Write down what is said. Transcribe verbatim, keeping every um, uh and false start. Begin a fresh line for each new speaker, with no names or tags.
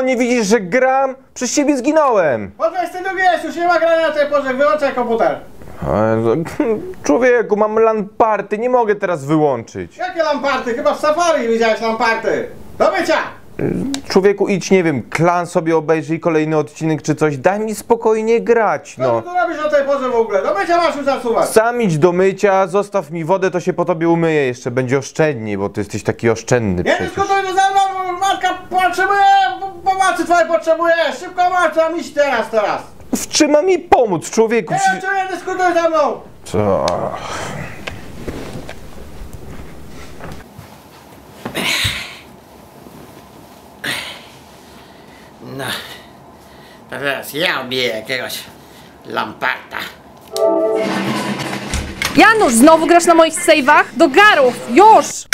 nie widzisz, że gram? Przez ciebie zginąłem.
Po dwudziestej drugiej jest, już nie ma grania na tej porze, wyłączaj komputer.
Człowieku, mam lamparty, nie mogę teraz wyłączyć.
Jakie lamparty? Chyba w Safari widziałeś lamparty. Do mycia!
Człowieku, idź, nie wiem, klan sobie obejrzyj kolejny odcinek czy coś, daj mi spokojnie grać,
Co
no.
ty tu robisz o tej porze w ogóle? Do mycia masz już zasuwać.
Sam idź do mycia, zostaw mi wodę, to się po tobie umyję jeszcze, będzie oszczędniej, bo ty jesteś taki oszczędny
Nie
przecież.
dyskutuj ze mną, bo matka potrzebuje, po- pomocy twojej potrzebuje. Szybko masz, tam iść teraz, teraz.
W czym ma mi pomóc, człowieku?
Nie wiem, czy nie dyskutuj ze mną.
Co?
No, to teraz ja obiję jakiegoś lamparta.
Janusz, znowu grasz na moich save'ach? Do garów, już!